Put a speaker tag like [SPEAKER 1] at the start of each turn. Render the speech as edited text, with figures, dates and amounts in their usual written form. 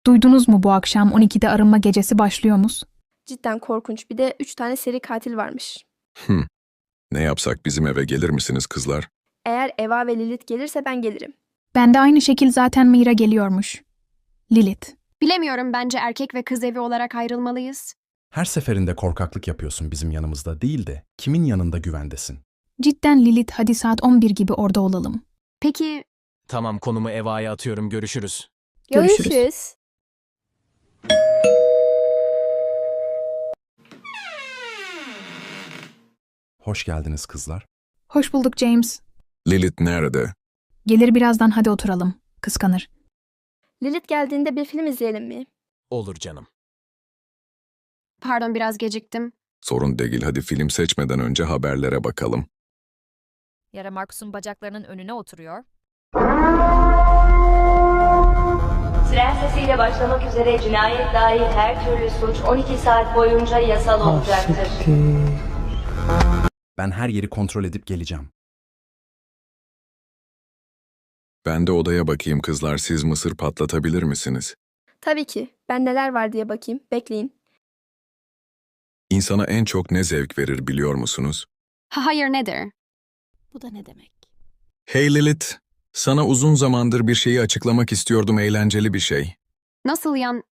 [SPEAKER 1] Duydunuz mu bu akşam 12'de arınma gecesi başlıyormuş?
[SPEAKER 2] Cidden korkunç. Bir de 3 tane seri katil varmış.
[SPEAKER 3] Ne yapsak bizim eve gelir misiniz kızlar?
[SPEAKER 2] Eğer Eva ve Lilith gelirse ben gelirim.
[SPEAKER 1] Ben de aynı şekil zaten Mira geliyormuş. Lilith.
[SPEAKER 4] Bilemiyorum, bence erkek ve kız evi olarak ayrılmalıyız.
[SPEAKER 5] Her seferinde korkaklık yapıyorsun bizim yanımızda değil de kimin yanında güvendesin?
[SPEAKER 1] Cidden Lilith, hadi saat 11 gibi orada olalım.
[SPEAKER 4] Peki
[SPEAKER 6] Tamam, konumu Eva'ya atıyorum, görüşürüz.
[SPEAKER 1] Görüşürüz.
[SPEAKER 2] Görüşürüz.
[SPEAKER 5] Hoş geldiniz kızlar.
[SPEAKER 1] Hoş bulduk James.
[SPEAKER 3] Lilith nerede?
[SPEAKER 1] Gelir birazdan, hadi oturalım. Kıskanır.
[SPEAKER 2] Lilith geldiğinde bir film izleyelim mi?
[SPEAKER 6] Olur canım.
[SPEAKER 4] pardon, biraz geciktim.
[SPEAKER 3] Sorun değil, hadi film seçmeden önce haberlere bakalım.
[SPEAKER 7] Yara Markus'un bacaklarının önüne oturuyor.
[SPEAKER 8] Siren sesiyle başlamak üzere cinayet dahil her türlü suç 12 saat boyunca yasal olacaktır.
[SPEAKER 5] Ben her yeri kontrol edip geleceğim.
[SPEAKER 3] Ben de odaya bakayım kızlar, siz mısır patlatabilir misiniz?
[SPEAKER 2] Tabii ki. Ben neler var diye bakayım. Bekleyin.
[SPEAKER 3] İnsana en çok ne zevk verir biliyor musunuz?
[SPEAKER 4] Hayır, nedir?
[SPEAKER 7] Bu da ne demek?
[SPEAKER 3] Hey Lilith, sana uzun zamandır bir şeyi açıklamak istiyordum, eğlenceli bir şey.
[SPEAKER 4] Nasıl